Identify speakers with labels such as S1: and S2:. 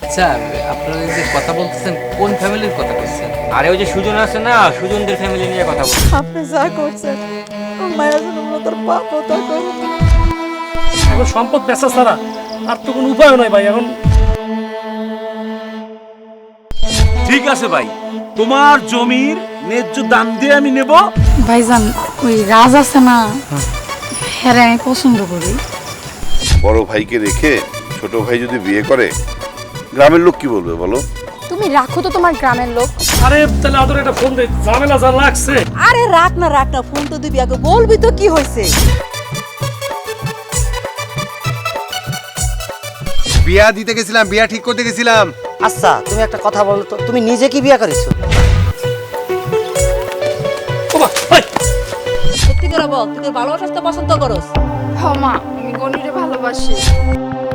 S1: আচ্ছা, আপনারা যে কথা বলতেছেন কোন ফ্যামিলির কথা বলছেন?
S2: আরে ওই যে সুজন আছে না, সুজনদের ফ্যামিলি নিয়ে কথা বল।
S3: আপনি যা করছেন মায়ের জন্য তোর পাপ তা করুন।
S4: এখন সম্পদ বেচা ছাড়া আর তো কোনো উপায় নাই ভাই। এখন
S5: ঠিক আছে ভাই, তোমার জমির ন্যায্য দাম দিয়ে আমি নেব।
S6: ভাইজান ওই রাজ আছে না, হ্যাঁ আমি পছন্দ করি।
S7: বড় ভাইকে রেখে ছোট ভাই যদি বিয়ে করে গ্রামের লোক কি বলবে বলো?
S8: তুমি রাখো তো তোমার গ্রামের লোক।
S4: আরে তাহলে আদর একটা ফোন দে, ঝামেলা যা লাগছে।
S3: আরে রাখ না ফোন তো দিবি আগে, বলবি তো কি হয়েছে।
S9: বিয়া দিতে গেছিলাম, বিয়া ঠিক করতে গেছিলাম।
S10: আচ্ছা তুমি একটা কথা বলো তো, তুমি নিজে কি বিয়ে করেছো?
S4: ওমা, ভাই
S3: সত্যি করে বল, তুই তোর ভালোবাসা পছন্দ করস?
S6: হ মা, আমি গণিরে ভালোবাসি।